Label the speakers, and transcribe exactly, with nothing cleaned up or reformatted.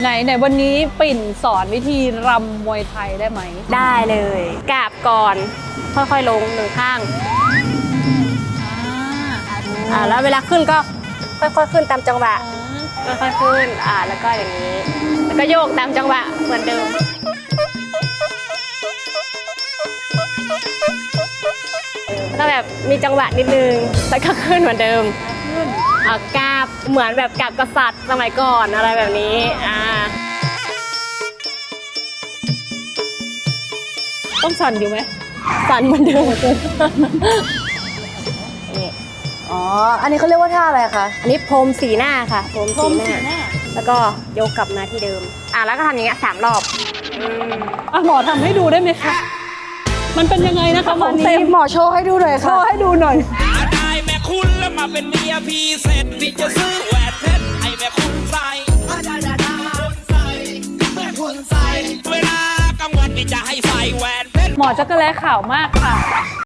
Speaker 1: ไหนไหนวันนี้ปิ่นสอนวิธีรำมวยไทยได้ไหม
Speaker 2: ได้เลยกราบก่อนค่อยๆลงหนึ่งข้างอ่าแล้วเวลาขึ้นก็ค่อยๆขึ้นตามจังหวะค่อยๆขึ้นอ่าแล้วก็อย่างนี้แล้วก็โยกตามจังหวะเหมือนเดิมก็แบบมีจังหวะนิดนึงแล้วก็ขึ้นเหมือนเดิมอ่ากราบเหมือนแบบกราบกษัตริย์สมัยก่อนอะไรแบบนี้อ่า
Speaker 1: ต้องสั่นอยู่ไหม
Speaker 2: สั่นเหมือนเดิมนี่
Speaker 3: อ๋ออันนี้เขาเรียกว่าท่าอะไรคะ
Speaker 2: อันนี้พรมสีหน้าค่ะพรมสีหน้าแล้วก็ยกกลับมาที่เดิมอ่ะแล้วก็ทำอย่างเงี้ยสามรอบอืม
Speaker 1: อ่ะหมอทำให้ดูได้ไหมคะมันเป็นยังไงนะคะหมอ
Speaker 3: เต็มหมอโชว์ให้ดูหน่อย
Speaker 1: โช
Speaker 3: ค่ะ
Speaker 1: ว์ให้ดูหน่อย
Speaker 4: ได้แม่คุณแล้วมาเป็นเมียพี่เสร็จพี่จะซื้อแหวนเพชรให้แม่คุณใส่ได้ได้ได้ใส่แม่คุณใส่เวลากลางวันพี่จะให้ใส่แหวนเพชร
Speaker 1: หมอจักรแลขาวมากค่ะ